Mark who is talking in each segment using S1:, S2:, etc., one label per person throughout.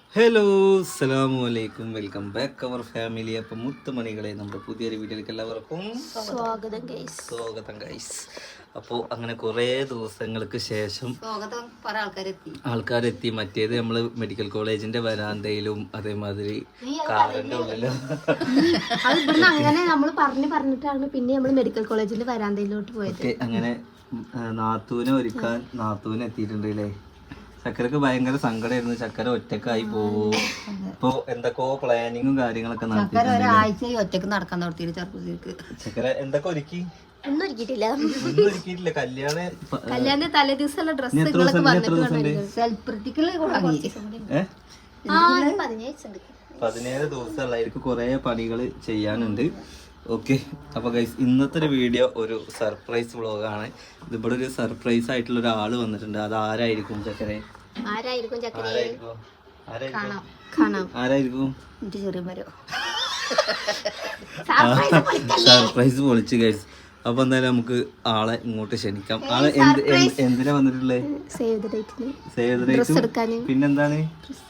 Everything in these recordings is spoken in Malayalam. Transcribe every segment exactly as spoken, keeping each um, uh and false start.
S1: ഹലോ അസ്സലാമു അലൈക്കും വെൽക്കം ബാക്ക് അവർ ഫാമിലി. അപ്പം മുത്തുമണികളെ നമ്മുടെ പുതിയൊരു വീഡിയോയിലേക്ക് എല്ലാവർക്കും
S2: സ്വാഗതം ഗൈസ്.
S1: സ്വാഗതം ഗൈസ്. അപ്പോൾ അങ്ങനെ കുറേ ദിവസങ്ങൾക്ക് ശേഷം ആൾക്കാരെത്തി. മറ്റേത് നമ്മൾ മെഡിക്കൽ കോളേജിന്റെ വരാന്തയിലും അതേമാതിരി കാറിന്റെ ഉള്ളിലും
S2: അത് ഇവിടുന്ന് അങ്ങനെ നമ്മൾ പറഞ്ഞു പറഞ്ഞിട്ടാണ് പിന്നെ നമ്മൾ മെഡിക്കൽ കോളേജിന്റെ വരാന്തയിലോട്ട് പോയത്.
S1: അങ്ങനെ നാത്തൂനെ ഒരുക്കാൻ നാത്തൂന് എത്തിയിട്ടുണ്ട് അല്ലേ. ചക്കരക്ക് ഭയങ്കര സങ്കടമായിരുന്നു, ചക്കര ഒറ്റക്കായി പോവോ. ഇപ്പൊ എന്തൊക്കെയോ പ്ലാനിങ്ങും കാര്യങ്ങളൊക്കെ
S3: ഒറ്റക്ക് നടക്കാൻ നടത്തിയിട്ട് ചെറുപ്പത്തിലേക്ക്
S1: ചക്കര എന്തൊക്കെ ഒരുക്കി
S2: ഒന്നും ഒരുക്കിയിട്ടില്ല.
S1: ഒന്നും ഒരുക്കിയിട്ടില്ല. കല്യാണ
S2: കല്യാണ തലേ ദിവസമുള്ള ഡ്രസ്സുകളൊക്കെ
S1: പതിനേഴ് ദിവസമുള്ളവർക്ക് കുറെ പണികൾ ചെയ്യാനുണ്ട്. ഓക്കെ, അപ്പോൾ ഗൈസ് ഇന്നത്തെ ഒരു വീഡിയോ ഒരു സർപ്രൈസ് വ്ളോഗാണ്. ഇതിവിടെ ഒരു സർപ്രൈസ് ആയിട്ടുള്ള ഒരാൾ വന്നിട്ടുണ്ട്. അത് ആരായിരിക്കും ചക്കരെ?
S2: ആരായിരിക്കും ചക്കരെ?
S1: ആരായിരിക്കും?
S2: സർപ്രൈസ്
S1: സർപ്രൈസ് പൊളിച്ച് ഗൈസ്. അപ്പൊ എന്തായാലും നമുക്ക് ആളെ ഇങ്ങോട്ട് ക്ഷണിക്കാം. ആളെ എന്ത് എന്തിനാ വന്നിട്ടുള്ളത്?
S2: സേവ് ദ ഡേറ്റിന്.
S1: സേവ് ദ ഡേറ്റും പിന്നെന്താണ്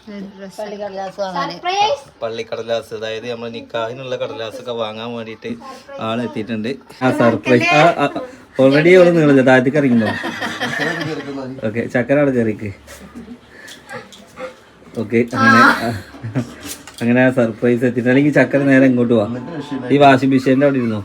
S1: പള്ളിക്കടലാസ്, അതായത് നമ്മൾ നിക്കാഹിനുള്ള കടലാസൊക്കെ വാങ്ങാൻ വേണ്ടിയിട്ട് ആളെത്തിയിട്ടുണ്ട്. ആ സർപ്രൈസ് ഓൾറെഡി അവിടെ നിങ്ങളില്ല, താഴത്തേക്ക് ഇറങ്ങുന്നോ? ഓക്കെ, ചക്കര അവിടെ കയറിക്ക്. ഓക്കെ, അങ്ങനെ അങ്ങനെ ആ സർപ്രൈസ് എത്തിയിട്ട് അല്ലെങ്കിൽ ചക്കര നേരെ ഇങ്ങോട്ട് പോവാ. ഈ വാഷിംഗ് മെഷീൻ്റെ അവിടെ ഇരുന്നോ?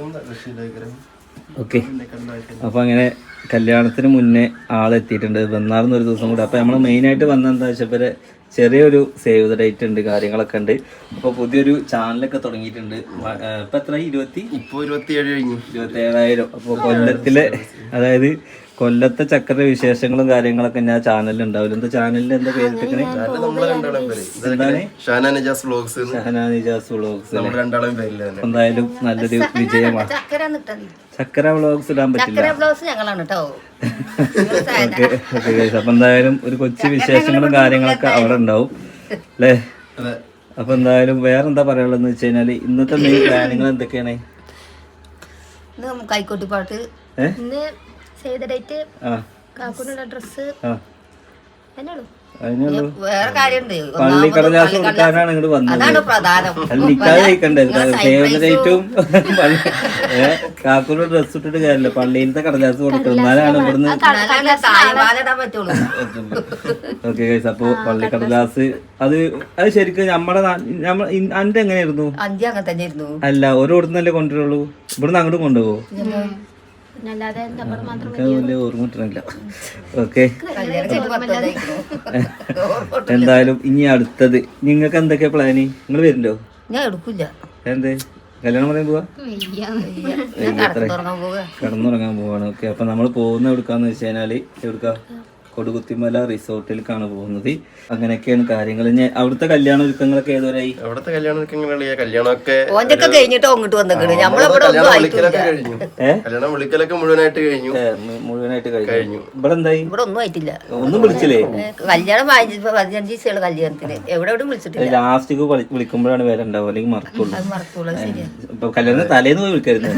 S1: ഓക്കെ, അപ്പൊ അങ്ങനെ കല്യാണത്തിന് മുന്നേ ആളെത്തിയിട്ടുണ്ട്. വന്നാർന്ന് ഒരു ദിവസം കൂടെ. അപ്പൊ നമ്മൾ മെയിനായിട്ട് വന്ന എന്താ വെച്ചാൽ ചെറിയൊരു സേവ് ദ ഡേറ്റ് ഉണ്ട്, കാര്യങ്ങളൊക്കെ ഉണ്ട്. അപ്പൊ പുതിയൊരു ചാനലൊക്കെ തുടങ്ങിയിട്ടുണ്ട്. ഇപ്പൊ എത്ര? ഇരുപത്തി ഇപ്പൊ ഇരുപത്തി ഏഴ് കഴിഞ്ഞു ഇരുപത്തി ഏഴായിരം. അപ്പൊ കൊല്ലത്തിലെ, അതായത് കൊല്ലത്തെ ചക്കര വിശേഷങ്ങളും കാര്യങ്ങളൊക്കെ ഞാൻ ചാനലിൽ ഉണ്ടാവില്ല. എന്താ ചാനലിൽ എന്താ പേരിട്ടിരിക്കണേ? ഷഹനാനിജാസ് വ്ളോഗ്സ്. എന്തായാലും നല്ലൊരു വിജയമാണ്. ചക്കര വ്ളോഗ്സ് ഇടാൻ പറ്റില്ല. അപ്പൊ എന്തായാലും ഒരു കൊച്ചു വിശേഷങ്ങളും കാര്യങ്ങളൊക്കെ അവിടെ ഉണ്ടാവും അല്ലേ. അപ്പൊ എന്തായാലും വേറെന്താ പറയാനുള്ളതെന്ന് വെച്ച് കഴിഞ്ഞാല് ഇന്നത്തെ മെയിൻ പ്ലാനിങ്ങൾ എന്തൊക്കെയാണ്?
S3: കൈക്കോട്ടിപ്പാട്ട്,
S2: സേവ് ദ ഡേറ്റ്, കാക്കൂനുള്ള ഡ്രസ്സ്, എന്നോളൂ.
S3: വേറെ കാര്യമുണ്ട്.
S1: പള്ളിക്കടലാസ് കൊടുക്കാനാണ് ഇങ്ങോട്ട് വന്നത്. നിക്കാതെ കഴിക്കണ്ടത് സേവനേറ്റും കാക്കൂടെ ഡ്രസ് ഇട്ടിട്ട് കാര്യമില്ല, പള്ളിയിലത്തെ കടലാസ് കൊടുക്കണം, എന്നാലാണ് ഇവിടുന്ന്. ഓക്കെ ഗൈസ്, അപ്പൊ പള്ളിക്കടലാസ് അത് അത് ശരിക്കും നമ്മുടെ നമ്മ അന്റെ എങ്ങനെയായിരുന്നു? അല്ല, ഓരോരുത്തന്നല്ലേ കൊണ്ടുവരുള്ളൂ, ഇവിടുന്ന് അങ്ങോട്ടും കൊണ്ടുപോകോ? ഓർമ്മ കിട്ടണില്ല. ഓക്കെ, എന്തായാലും ഇനി അടുത്തത് നിങ്ങൾക്ക് എന്തൊക്കെയാ പ്ലാന്? നിങ്ങൾ വരുന്നുണ്ടോ?
S3: ഞാൻ എടുക്കില്ല.
S1: എന്ത് കല്യാണം പറയാൻ പോവാ? കിടന്നുറങ്ങാൻ പോവാണ്. ഓക്കെ, അപ്പൊ നമ്മൾ പോകുന്ന എവിടുക്കാന്ന് വെച്ച് കഴിഞ്ഞാല് എവിടുക്കാ? കൊടുകുത്തിമല റിസോർട്ടിലേക്കാണ് പോകുന്നത്. അങ്ങനെയൊക്കെയാണ് കാര്യങ്ങൾ. അവിടുത്തെ കല്യാണ ഒരുക്കങ്ങളൊക്കെ ഏതുവരായി?
S4: അവിടുത്തെ കല്യാണ ഒരുക്കങ്ങളെ കല്യാണമൊക്കെ
S3: കഴിഞ്ഞിട്ട് അങ്ങോട്ട് വന്നിട്ട്
S4: കല്യാണം വിളിക്കലൊക്കെ മുഴുവനായിട്ട് കഴിഞ്ഞു.
S1: മുഴുവനായിട്ട് കഴിഞ്ഞു. ഇവിടെ എന്തായി?
S3: ഇവിടെ ഒന്നും ആയിട്ടില്ല.
S1: ഒന്നും വിളിച്ചില്ലേ?
S3: കല്യാണം പതിനഞ്ച് ദിവസമുള്ള കല്യാണത്തിന് എവിടെ എവിടെ വിളിച്ചിട്ടില്ല.
S1: ലാസ്റ്റ് വിളിക്കുമ്പോഴാണ് വേറെ ഉണ്ടാവും, അല്ലെങ്കിൽ മറക്കുള്ളൂ.
S3: മറക്കുള്ളൂ. ശരിയാ.
S1: ഇപ്പൊ കല്യാണത്തിന് തലേന്ന് പോയി വിളിക്കരുത്.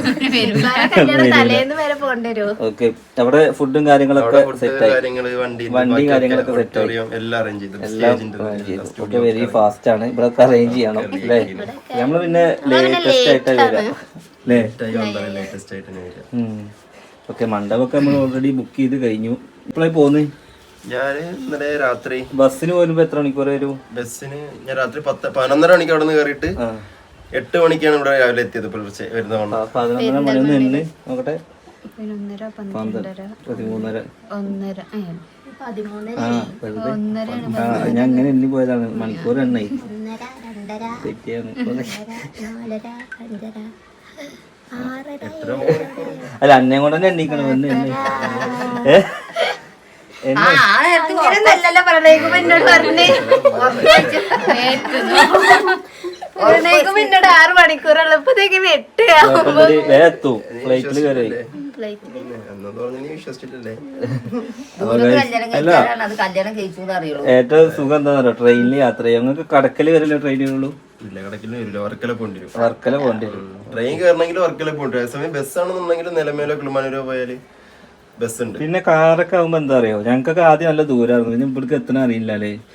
S1: ഓക്കെ, അവിടെ ഫുഡും കാര്യങ്ങളൊക്കെ സെറ്റ് ആയി. വണ്ടി കാര്യങ്ങളൊക്കെ സെറ്റ് ആയി. എല്ലാം ഒക്കെ വെരി ഫാസ്റ്റ് ആണ്. ഇവിടെ അറേഞ്ച് ചെയ്യണം അല്ലേ. നമ്മള് പിന്നെ ലേറ്റസ്റ്റ് ആയിട്ട് വരാം അല്ലേ. ഓക്കെ, മണ്ഡപമൊക്കെ നമ്മൾ ഓൾറെഡി ബുക്ക് ചെയ്ത് കഴിഞ്ഞു. ഇപ്പോഴായി പോന്ന്
S4: ഞാന് ഇന്നലെ രാത്രി
S1: ബസ്സിന് പോരുമ്പോ എത്ര മണിക്കൂർ വരും?
S4: ബസ്സിന് ഞാൻ രാത്രി പത്ത് പതിനൊന്നര മണിക്ക് അവിടെ നിന്ന് കയറിയിട്ട് എട്ട് മണിക്കാണ് ഇവിടെ രാവിലെ എത്തിയത്. പുലർച്ചെ വരുന്നതാണ്.
S1: പതിനൊന്നര മണി നിന്ന് നോക്കട്ടെ, പതിമൂന്നര ഞാൻ അങ്ങനെ എണ്ണി പോയതാണ്. മണിക്കൂർ എണ്ണായി തെറ്റിയാണ്. അല്ല, അന്നെ കൊണ്ട് തന്നെ എണ്ണിക്കണം. എന്ന് എണ്ണി
S2: പിന്നീട് ആറ് മണിക്കൂറുള്ളപ്പോഴത്തേക്കും എട്ട്
S1: എത്തും. ഫ്ലൈറ്റില് കയറി. ഏറ്റവും സുഖം എന്താ പറയുക, ട്രെയിനിൽ യാത്ര ചെയ്യാം. നിങ്ങൾക്ക് കടക്കല് വരല്ലേ ട്രെയിനുള്ളൂ? വർക്കല പോകേണ്ടി വരും.
S4: ട്രെയിൻ കയറണമെങ്കിൽ വർക്കല പോകേണ്ടി വരും. അതേസമയം ബസ്സാണെന്നുണ്ടെങ്കിൽ നിലമേലോ കിളിമാനൂരോ പോയാല് ബസ് ഉണ്ട്.
S1: പിന്നെ കാറൊക്കെ ആകുമ്പോ എന്താ അറിയോ, ഞങ്ങൾക്കൊക്കെ ആദ്യം നല്ല ദൂരമായിരുന്നു. പിന്നെ ഇവിടേക്ക് എത്തണ അറിയില്ല അല്ലേ.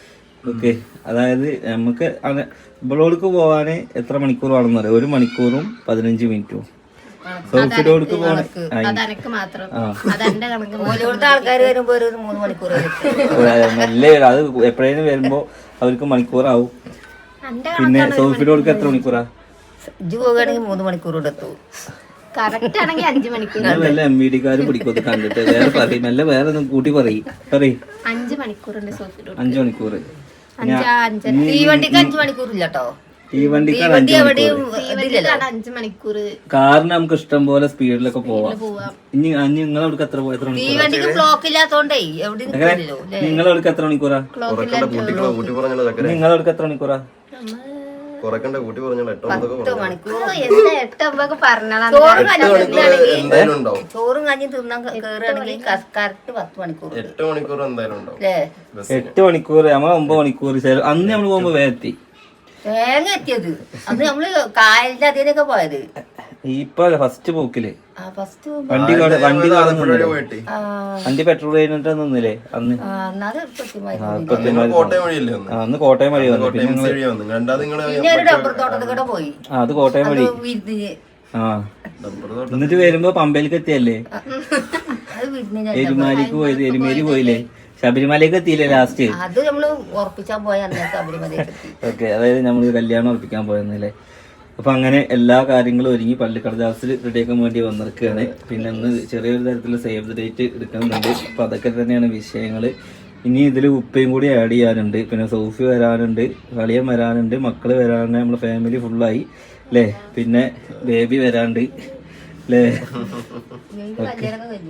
S1: ഓക്കെ അതായത് നമുക്ക് ഇവളോടക്ക് പോവാന് എത്ര മണിക്കൂർ വേണമെന്ന് പറയാം, ഒരു മണിക്കൂറും പതിനഞ്ച് മിനിറ്റും. സോഫിലോടക്ക് പോവാൻ
S2: അതെനക്ക് മാത്രം അതെന്റെ കണക്ക്
S3: ഓരോരുത്തർ ആൾക്കാർ വരുമ്പോ ഒരു മൂന്ന് മണിക്കൂർ
S1: നല്ല അത് എപ്പോഴേലും വരുമ്പോ അവർക്ക് മണിക്കൂറാവും. പിന്നെ സോഫിലോടക്ക് എത്ര മണിക്കൂറാ?
S3: ഇജ്ജ് പോവുകയാണെങ്കിൽ മൂന്ന് മണിക്കൂർ കൊണ്ട് എത്തും.
S2: കറക്റ്റ് ആണെങ്കിൽ അഞ്ചു മണിക്കൂർ.
S1: വല്ല എം വി ഡിക്കാര് പിടിക്കൊക്കെ കണ്ടിട്ട് വേറെ പറയും, നല്ല വേറെ ഒന്നും കൂട്ടി പറയും പറയും.
S2: അഞ്ചു മണിക്കൂറുണ്ട് സോഫിലോട്.
S1: അഞ്ചു മണിക്കൂർ
S3: ഈ വണ്ടിക്ക് അഞ്ചു മണിക്കൂർ ഇല്ല കേട്ടോ.
S1: ഈ വണ്ടിക്കാണ്
S3: വണ്ടി എവിടെയും ഇതില്ലല്ലോ.
S2: അഞ്ചു മണിക്കൂർ
S1: കാറിന് നമുക്ക് ഇഷ്ടം പോലെ സ്പീഡിലൊക്കെ പോവാം.
S2: പോവാം.
S1: ഇനി നിങ്ങൾ അവിടേക്ക് എത്ര എത്ര
S3: ഈ
S1: മണിക്കൂർ?
S3: വണ്ടിക്ക് ബ്ലോക്ക് ഇല്ലാത്തോണ്ടേ എവിടെയും നിൽക്കില്ലല്ലോ.
S1: നിങ്ങൾ അവിടേക്ക് എത്ര മണിക്കൂറാ?
S4: കൂട്ടി പറഞ്ഞല്ലോ ചക്കര,
S1: നിങ്ങൾ അവിടേക്ക് എത്ര മണിക്കൂറാ?
S4: കുറക്കണ്ട കൂട്ടി പറഞ്ഞല്ലോ എട്ടോ ഒമ്പതൊക്കെ
S3: പത്ത്
S4: പറഞ്ഞു.
S3: മണിക്കൂർ
S2: എന്താ എട്ടൊമ്പൊക്കെ പറഞ്ഞാ
S3: ചോറും കഞ്ഞി
S4: എന്തായാലും ഉണ്ടാവും.
S3: ചോറും കഞ്ഞി തിന്നാൻ കയറുകയാണെങ്കിൽ കറക്റ്റ് പത്ത് മണിക്കൂർ
S4: എട്ട് മണിക്കൂർ എന്തായാലും ഉണ്ടാവും.
S3: അല്ലേ?
S1: എട്ട് മണിക്കൂർ നമ്മൾ ഒമ്പത് മണിക്കൂർ. ചില അന്ന് നമ്മൾ പോകുമ്പോ വേഗത്തി
S3: തേങ്ങ എത്തിയത് അത് നമ്മള് കായലിന്റെ അതിനൊക്കെ പോയത്.
S1: ഇപ്പൊ ഫസ്റ്റ് പോക്കില്
S3: ആ ഫസ്റ്റ്
S1: വണ്ടി കാണ- വണ്ടി കാണുന്നില്ലേ?
S4: പോയിട്ട്
S1: വണ്ടി പെട്രോൾ കഴിഞ്ഞിട്ട് നിന്നില്ലേ അന്ന്?
S3: അന്നത് കൃത്യമായി
S1: ആ, ഇപ്പൊ പിന്നെ
S4: കോട്ടയം വഴിയല്ലേ ഒന്ന്?
S1: ആ, അന്ന് കോട്ടയം വഴി വന്നു. പിന്നെ
S4: കോട്ടയം വഴി വന്നു. രണ്ടാമത് നിങ്ങള്
S3: പിന്നെ ഒരു ഡബ്ബർ തോട്ടത്തിൽ കൂടെ പോയി.
S1: ആ, അത് കോട്ടയം വഴി.
S3: വിരുന്നിന്
S1: ആ
S4: ഡബ്ബർ തോട്ടം
S1: എന്നിട്ട് വരുമ്പോ പമ്പയിലേക്ക് എത്തിയല്ലേ?
S3: അത് വിരുന്നിന്
S1: എരുമാലിക്ക് പോയത്, എരുമേലി പോയില്ലേ? ശബരിമലയ്ക്ക് എത്തിയില്ലേ ലാസ്റ്റ്?
S3: അത് നമ്മള് ഉറപ്പിച്ചാൻ പോയ അന്നേ ശബരിമലയ്ക്ക് എത്തി.
S1: ഓക്കെ, അതായത് നമ്മൾ കല്യാണം ഉറപ്പിക്കാൻ പോയെന്നല്ലേ. അപ്പൊ അങ്ങനെ എല്ലാ കാര്യങ്ങളും ഒരുങ്ങി പള്ളിക്കടലാസിൽ റെഡിയാക്കാൻ വേണ്ടി വന്നിരിക്കുകയാണ്. പിന്നെ ഒന്ന് ചെറിയൊരു തരത്തിലുള്ള സേവ് ദ ഡേറ്റ് എടുക്കുന്നുണ്ട്. അപ്പൊ അതൊക്കെ തന്നെയാണ് വിഷയങ്ങൾ. ഇനി ഇതിൽ ഉപ്പയും കൂടി ആഡ് ചെയ്യാനുണ്ട്. പിന്നെ സോഫി വരാനുണ്ട്, കളിയൻ വരാനുണ്ട്, മക്കള് വരാനുണ്ട്, നമ്മളെ ഫാമിലി ഫുള്ളായി അല്ലേ. പിന്നെ ബേബി വരാണ്ട് അല്ലേ.
S3: കല്യാണം കഴിഞ്ഞു.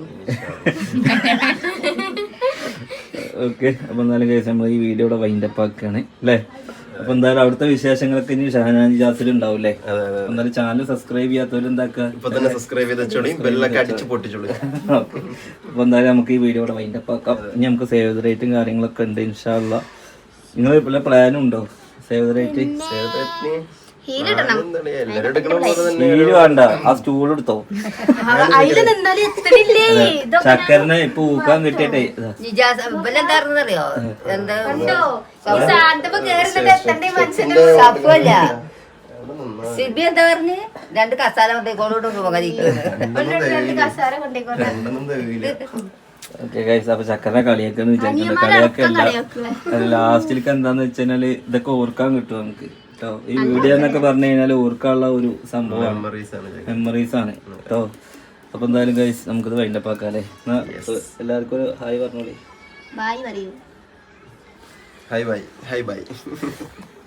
S1: ഓക്കെ, അപ്പൊ എന്തായാലും കേസ് നമ്മൾ ഈ വീഡിയോയുടെ വൈൻഡപ്പ് ആക്കുകയാണ് അല്ലേ. അപ്പൊ എന്തായാലും അവിടുത്തെ വിശേഷങ്ങളൊക്കെ ഇനി ഷഹനാൻ ജാസിൽ ഉണ്ടാവും അല്ലേ. എന്തായാലും ചാനൽ സബ്സ്ക്രൈബ് ചെയ്യാത്തവരും എന്താക്കുക,
S4: ഇപ്പൊ തന്നെ സബ്സ്ക്രൈബ് ചെയ്ത് വെച്ചോളി, ബെല്ലൊക്കെ അടിച്ച് പൊട്ടിച്ചോളി.
S1: ഓക്കെ, അപ്പൊ എന്തായാലും നമുക്ക് ഈ വീഡിയോയുടെ വൈൻഡപ്പ് ആക്കാം. ഇനി നമുക്ക് സേവ് ദ റേറ്റും കാര്യങ്ങളൊക്കെ ഉണ്ട് ഇൻഷാ അള്ളാ. നിങ്ങൾ വല്ല പ്ലാനും ഉണ്ടോ സേവ് ദ റേറ്റ്?
S4: എല്ലാരും എടുക്കണ പോലെ തന്നെ
S1: സ്റ്റീല് വേണ്ട, ആ സ്റ്റൂൾ എടുത്തോ.
S2: അതില് നിന്നാലും എത്തണില്ലേ?
S1: ചക്കരനെ ഇപ്പൊ ഊക്കാൻ കിട്ടിയിട്ടേ ഇതാ.
S3: നിജാസ് ഇവലെന്താറിയോ എന്താ
S2: ഈ സാധനത്തിപ്പോ കേറുന്നത് എത്തണ്ടേ മനുഷ്യന്റെ
S3: സഫല്ല സിബി എന്താ പറഞ്ഞ് രണ്ട് കസാല കൊണ്ടേക്കോളോട്ട് പോകാതിരിക്കുന്നത്.
S2: കസാര കൊണ്ടേക്കോട്ടെ.
S4: രണ്ടൊന്നും തികയില്ല.
S1: ഓക്കെ ഗൈസ്, അപ്പൊ ചക്കരനെ കളിയാക്കാന്ന് വിചാരിക്കുന്നത്. കളിയാക്കല്ല, ലാസ്റ്റിലേക്ക് എന്താന്ന് വെച്ചാല് ഇതൊക്കെ ഓർക്കാൻ കിട്ടും നമുക്ക് കേട്ടോ. ഈ വീഡിയോ എന്നൊക്കെ പറഞ്ഞു കഴിഞ്ഞാൽ ഓർക്കാനുള്ള ഒരു സംഭവമാണ്,
S4: മെമ്മറീസ് ആണ് ചക്കര.
S1: മെമ്മറീസ് ആണ് കേട്ടോ. അപ്പൊ എന്തായാലും ഗൈസ് നമുക്കിത് വൈൻഡപ്പ് ആക്കാം അല്ലേ. എല്ലാവർക്കും ഒരു ഹായ് പറഞ്ഞോളി.
S2: ബായ് പറയൂ.
S4: Hi bye, hi by.